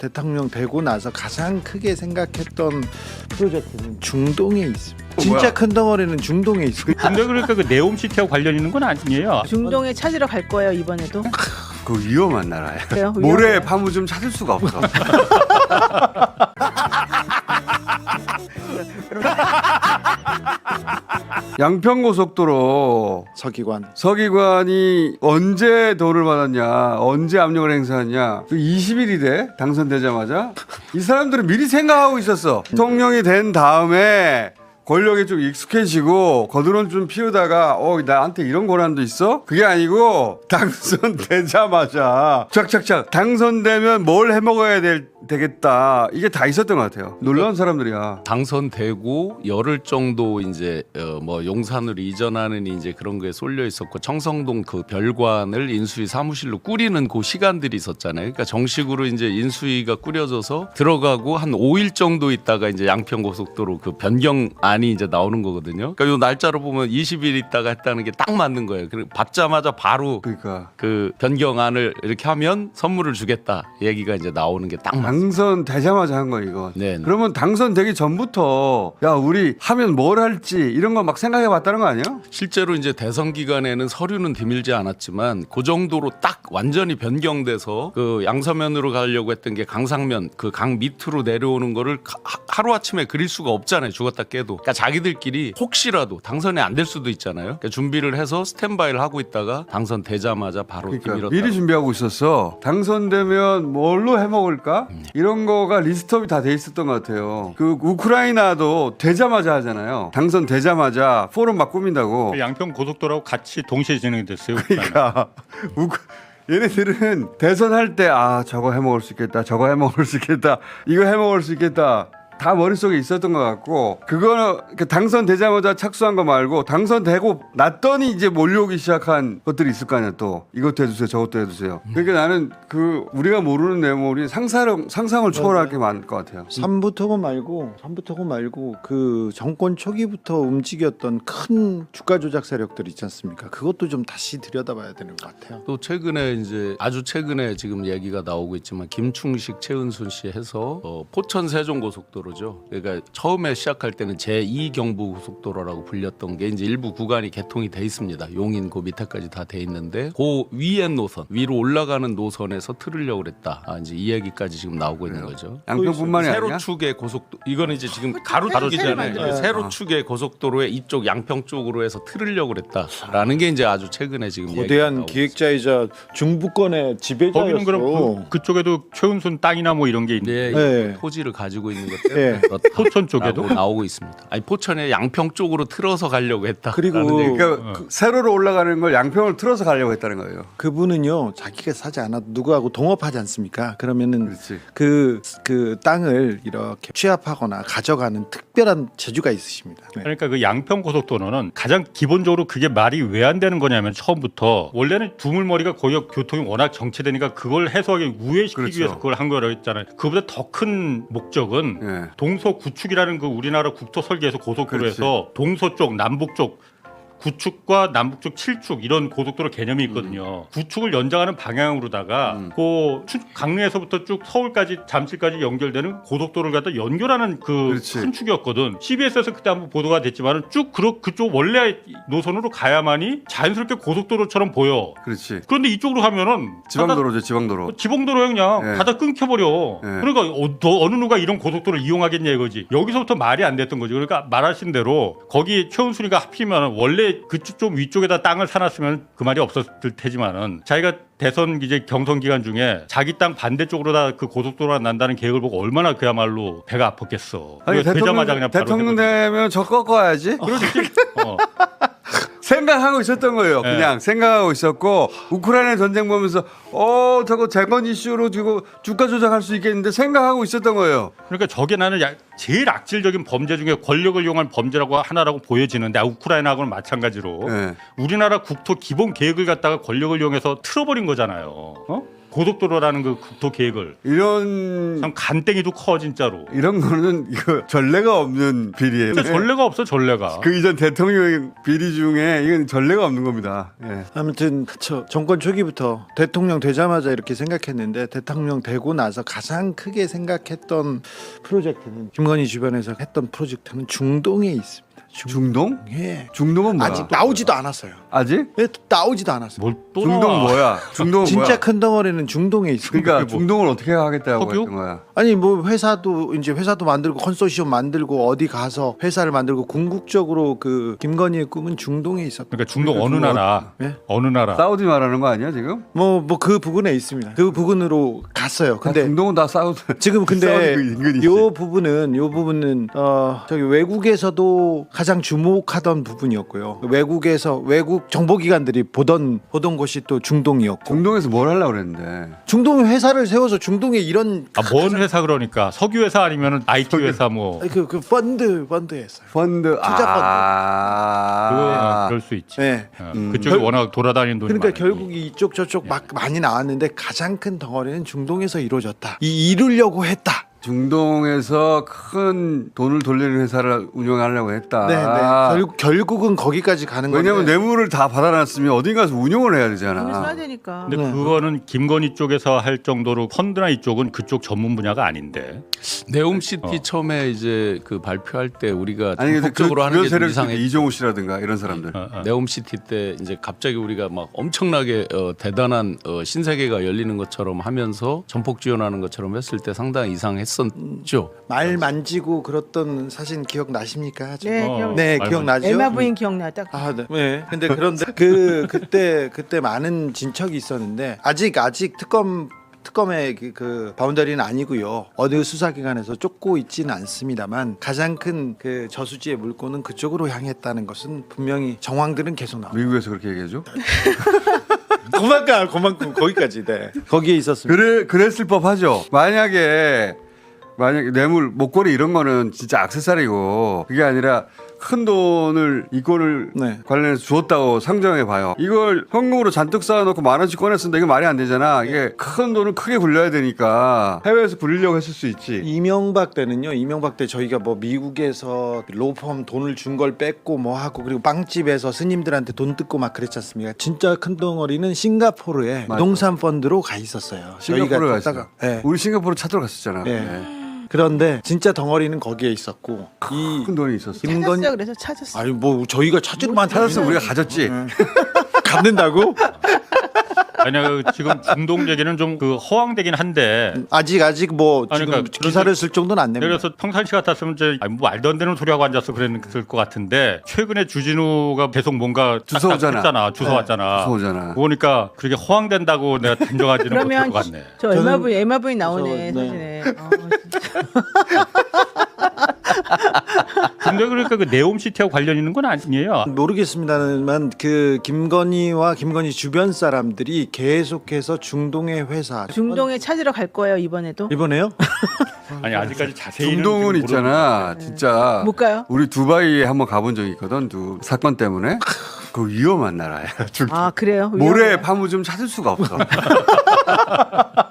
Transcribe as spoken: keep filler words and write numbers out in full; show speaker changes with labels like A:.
A: 대통령 되고 나서 가장 크게 생각했던 프로젝트는 중동에 있습니다. 진짜
B: 뭐야?
A: 큰 덩어리는 중동에 있습니다.
C: 근데 그러니까 그 네옴시티하고 관련 있는 건 아니에요.
D: 중동에 찾으러 갈 거예요 이번에도.
B: 그 위험한 나라야.
D: 그래요?
B: 모래
D: 위험해요.
B: 파묻으면 찾을 수가 없어. 양평고속도로
A: 서기관.
B: 서기관이 언제 돈을 받았냐, 언제 압력을 행사했냐. 그 이십 일이 돼 당선되자마자 이 사람들은 미리 생각하고 있었어. 대통령이 된 다음에 권력에 좀 익숙해지고 거드론 좀 피우다가 어 나한테 이런 권한도 있어? 그게 아니고 당선되자마자 착착착 당선되면 뭘 해먹어야 될, 되겠다 이게 다 있었던 것 같아요. 놀라운 사람들이야.
E: 당선되고 열흘 정도 이제 어 뭐 용산으로 이전하는 이제 그런 거에 쏠려 있었고 청성동 그 별관을 인수위 사무실로 꾸리는 그 시간들이 있었잖아요. 그러니까 정식으로 이제 인수위가 꾸려져서 들어가고 한 오 일 정도 있다가 이제 양평고속도로 그 변경 안이 이제 나오는 거거든요. 그러니까 요 날짜로 보면 이십 일 있다가 했다는 게 딱 맞는 거예요. 그리고 받자마자 바로
B: 그러니까
E: 그 변경안을 이렇게 하면 선물을 주겠다 얘기가 이제 나오는 게 딱 맞습니다.
B: 당선되자마자 한 거야 이거.
E: 네.
B: 그러면 당선되기 전부터 야 우리 하면 뭘 할지 이런 거 막 생각해 봤다는 거 아니야?
E: 실제로 이제 대선 기간에는 서류는 드밀지 않았지만 그 정도로 딱 완전히 변경돼서 그 양서면으로 가려고 했던 게 강상면 그 강 밑으로 내려오는 거를 하루 아침에 그릴 수가 없잖아요. 죽었다 깨도. 그러니까 자기들끼리 혹시라도 당선이 안 될 수도 있잖아요. 그러니까 준비를 해서 스탠바이를 하고 있다가 당선되자마자 바로
B: 그러니까
E: 밀었다.
B: 미리 준비하고 있었어. 당선되면 뭘로 해먹을까? 이런 거가 리스트업이 다 돼 있었던 것 같아요. 그 우크라이나도 되자마자 하잖아요. 당선되자마자 포럼 막 꾸민다고.
C: 양평 고속도로하고 같이 동시에 진행이 됐어요.
B: 그러니까 우크 얘네들은 대선할 때 아 저거 해먹을 수 있겠다, 저거 해먹을 수 있겠다, 이거 해먹을 수 있겠다. 다 머릿속에 있었던 것 같고 그거는 당선되자마자 착수한 거 말고 당선되고 났더니 이제 몰려오기 시작한 것들이 있을 거 아니야. 또 이것도 해주세요 저것도 해주세요. 그러니까 나는 그 우리가 모르는 내용이 상상, 상상을 초월할 게 많을 것 같아요.
A: 삼부토고 말고 삼부토고 말고 그 정권 초기부터 움직였던 큰 주가 조작 세력들 있지 않습니까? 그것도 좀 다시 들여다봐야 되는 것 같아요.
E: 또 최근에 이제 아주 최근에 지금 얘기가 나오고 있지만 김충식 최은순 씨 해서 어, 포천 세종 고속도로죠. 그러니까 처음에 시작할 때는 제이 경부 고속도로라고 불렸던 게 이제 일부 구간이 개통이 돼 있습니다. 용인 그 밑에까지 다 돼 있는데 그 위에 노선 위로 올라가는 노선에서 틀으려고 그랬다. 아, 이제 이 얘기까지 지금 나오고 있는 거죠.
B: 양평뿐만이 아니야?
E: 세로축의 고속도 이거는 이제 지금 가로축이잖아요.
D: 새로
E: 세로축의 고속도로에 이쪽 양평 쪽으로 해서 틀으려고 그랬다라는 게 이제 아주 최근에 지금 얘기가
A: 거대한
E: 나오고
A: 기획자이자 중부권의 지배자였어.
C: 거기는 그럼 그, 그쪽에도 최은순 땅이나 뭐 이런 게 있는데
E: 네,
A: 네.
E: 토지를 가지고 있는 것 때문에
A: 네.
E: 그렇다.
C: 포천 쪽에도
E: 라고 나오고 있습니다. 아니 포천에 양평 쪽으로 틀어서 가려고 했다.
A: 그리고
B: 그러니까 그 세로로 올라가는 걸 양평을 틀어서 가려고 했다는 거예요.
A: 그분은요 자기가 사지 않아도 누구하고 동업하지 않습니까? 그러면은
B: 그렇지.
A: 그, 그 땅을 이렇게 취합하거나 가져가는 특별한 재주가 있으십니다. 네.
C: 그러니까 그 양평 고속도로는 가장 기본적으로 그게 말이 왜 안 되는 거냐면 처음부터 원래는 두물머리가 거기 교통이 워낙 정체되니까 그걸 해소하기 우회시키기
B: 그렇죠.
C: 위해서 그걸 한 거라고 했잖아요. 그보다 더 큰 목적은
B: 예.
C: 동서 구축이라는 그 우리나라 국토 설계에서 고속도로에서 동서 쪽, 남북 쪽 구축과 남북쪽 칠축 이런 고속도로 개념이 있거든요. 음. 구축을 연장하는 방향으로다가
B: 음.
C: 그 강릉에서부터 쭉 서울까지 잠실까지 연결되는 고속도로를 갖다 연결하는 그
B: 그렇지.
C: 큰 축이었거든. 씨비에스에서 그때 한번 보도가 됐지만 쭉 그, 그쪽 원래 노선으로 가야만이 자연스럽게 고속도로처럼 보여.
B: 그렇지.
C: 그런데 이쪽으로 가면은
B: 지방도로죠, 지방도로.
C: 다, 지방도로에 그냥
B: 네.
C: 가다 끊겨버려.
B: 네.
C: 그러니까 어, 너, 어느 누가 이런 고속도로를 이용하겠냐 이거지. 여기서부터 말이 안 됐던 거지. 그러니까 말하신 대로 거기 최은순이가 하필이면 원래 그쪽 좀 위쪽에다 땅을 사놨으면 그 말이 없었을 테지만은 자기가 대선 이제 경선 기간 중에 자기 땅 반대쪽으로 다 그 고속도로가 난다는 계획을 보고 얼마나 그야말로 배가 아팠겠어.
B: 아니
C: 그거
B: 대통령,
C: 되자마자 그냥 바로
B: 대통령
C: 해버리고.
B: 되면 저 꺾어야지.
C: 그렇지. 어.
B: 생각하고 있었던 거예요.
C: 네.
B: 그냥 생각하고 있었고 우크라이나 전쟁 보면서 어 저거 재건 이슈로 지고 주가 조작할 수 있겠는데 생각하고 있었던 거예요.
C: 그러니까 저게 나는 야, 제일 악질적인 범죄 중에 권력을 이용한 범죄라고 하나라고 보여지는데 아, 우크라이나하고는 마찬가지로
B: 네.
C: 우리나라 국토 기본 계획을 갖다가 권력을 이용해서 틀어버린 거잖아요. 어? 고속도로라는 그 국토 계획을
B: 이런
C: 참 간땡이도 커 진짜로.
B: 이런 거는 이거 전례가 없는 비리예요.
C: 진짜 전례가 없어 전례가.
B: 그 이전 대통령 비리 중에 이건 전례가 없는 겁니다. 예.
A: 아무튼 그쵸. 정권 초기부터 대통령 되자마자 이렇게 생각했는데 대통령 되고 나서 가장 크게 생각했던 프로젝트는 김건희 주변에서 했던 프로젝트는 중동에 있습니다.
B: 중동?
A: 예.
B: 중동은 뭐야?
A: 아직 나오지도 않았어요.
B: 아직?
A: 예, 나오지도 않았어요.
C: 뭘 또
B: 중동
C: 나와.
B: 뭐야? 중동은
A: 진짜
B: 뭐야?
A: 큰 덩어리는 중동에 있습니다.
B: 그러니까 중동을 어떻게 하겠다고
C: 석유?
B: 했던 거야?
A: 아니 뭐 회사도 이제 회사도 만들고 컨소시엄 만들고 어디 가서 회사를 만들고 궁극적으로 그 김건희의 꿈은 중동에 있었다.
C: 그러니까 중동
B: 그러니까
C: 어느
B: 중동
C: 나라?
A: 예?
C: 어느 나라?
B: 사우디 말하는 거 아니야 지금?
A: 뭐 뭐 그 부분에 있습니다. 그 부분으로 갔어요.
B: 근데
A: 근데
B: 중동은 다 사우디.
A: 지금 근데
B: 사우디 그 인근이지.
A: 요 부분은 요 부분은 어 저기 외국에서도 가장 주목하던 부분이었고요. 외국에서 외국 정보기관들이 보던 보던 곳이 또 중동이었고
B: 중동에서 뭘 하려고 그랬는데?
A: 중동 회사를 세워서 중동에 이런
C: 아뭔 회사 그러니까 석유 회사 아니면 아이티 회사 뭐
A: 그 그 펀드 펀드 했어요.
B: 펀드.
A: 투자 펀드.
B: 아.
C: 그거 그럴 수 있지.
A: 네.
C: 어,
B: 음.
C: 그쪽이
A: 결-
C: 워낙 돌아다니는 돈이
A: 그러니까
C: 많으니.
A: 결국 이쪽 저쪽 막 많이 나왔는데 가장 큰 덩어리는 중동에서 이루어졌다. 이 이루려고 했다.
B: 중동에서 큰 돈을 돌리는 회사를 운영하려고 했다.
A: 네, 네. 결국 결국은 거기까지 가는 건데.
B: 왜냐하면 뇌물을 다 받아놨으면 어디 가서 운영을 해야
D: 돈을 써야
B: 되잖아.
D: 되니까.
C: 근데
A: 네.
C: 그거는 김건희 쪽에서 할 정도로 펀드나 이쪽은 그쪽 전문 분야가 아닌데.
E: 네옴시티
C: 어.
E: 처음에 이제 그 발표할 때 우리가
B: 아니 근데 그
E: 적극적으로 하는
B: 주변
E: 게 좀
B: 세력
E: 이상해.
B: 이종우 씨라든가 이런 사람들.
C: 어, 어.
E: 네옴시티 때 이제 갑자기 우리가 막 엄청나게 어, 대단한 어, 신세계가 열리는 것처럼 하면서 전폭 지원하는 것처럼 했을 때 상당히 이상했었죠.
A: 말 만지고 그랬던 사진 기억 나십니까?
D: 네,
C: 어,
D: 기억.
A: 네,
C: 말
A: 기억나죠?
D: 에마 부인 기억나 딱.
A: 아, 네. 네. 근데 그런데 그 그때 그때 많은 진척이 있었는데 아직 아직 특검 특검의 그, 그 바운더리는 아니고요. 어느 수사기관에서 쫓고 있지는 않습니다만 가장 큰 그 저수지의 물꼬는 그쪽으로 향했다는 것은 분명히 정황들은 계속 나옵니다.
B: 미국에서 그렇게 얘기해줘?
A: 그만큼 그만큼 거기까지 네. 거기에 있었습니다.
B: 그래 그랬을 법하죠. 만약에 만약에 뇌물 목걸이 이런 거는 진짜 액세서리고 그게 아니라 큰 돈을 이권을
A: 네.
B: 관련해서 주었다고 상정해 봐요. 이걸 현금으로 잔뜩 쌓아놓고 만 원씩 꺼냈는데 이게 말이 안 되잖아. 이게 큰 돈을 크게 굴려야 되니까 해외에서 굴리려고 했을 수 있지.
A: 이명박 때는요. 이명박 때 저희가 뭐 미국에서 로펌 돈을 준 걸 뺐고 뭐 하고 그리고 빵집에서 스님들한테 돈 뜯고 막 그랬지 않습니까? 진짜 큰 덩어리는 싱가포르에
B: 맞아.
A: 부동산 펀드로 가 있었어요.
B: 싱가포르에 가
A: 갔다가
B: 있어.
A: 네.
B: 우리 싱가포르 찾으러 갔었잖아.
A: 네.
B: 네.
A: 그런데 진짜 덩어리는 거기에 있었고 이
B: 큰 돈이 있었어.
A: 김건희
D: 찾았어요. 그래서 찾았어.
A: 아니 뭐 저희가 찾으러만
B: 찾았으면 우리가 가졌지.
A: 갖는다고?
C: 아니야 그 지금 중동 얘기는 좀 그 허황되긴 한데.
A: 아직 아직 뭐
C: 아니,
A: 지금
C: 그러니까
A: 기사를 쓸 정도는 안 냅니다.
C: 그래서 평상시 같았으면 이제 아니, 뭐 말도 안 되는 소리 하고 앉았어 그랬을 것 같은데 최근에 주진우가 계속 뭔가
B: 주워오잖아.
C: 했잖아, 주워왔잖아.
B: 주워오잖아.
C: 그러니까 그렇게 허황된다고 내가 단정하지는
D: 그러면
C: 못할 것 같네.
D: 저 에마
A: 저는-
D: 부인 에마 부인 나오네
A: 저- 네.
D: 사진에. 어, 진짜.
C: 근데 그러니까 그 네옴시티하고 관련 있는 건 아니에요.
A: 모르겠습니다만 그 김건희와 김건희 주변 사람들이 계속해서 중동의 회사
D: 중동에 찾으러 갈 거예요 이번에도.
A: 이번에요?
C: 아니 아직까지 자세히
B: 중동은 있잖아. 진짜
D: 못 가요?
B: 우리 두바이에 한번 가본 적이 있거든. 두 사건 때문에. 그 위험한 나라야. 중동.
D: 아 그래요?
B: 모래
D: 위험해요?
B: 파묻으면 찾을 수가 없어.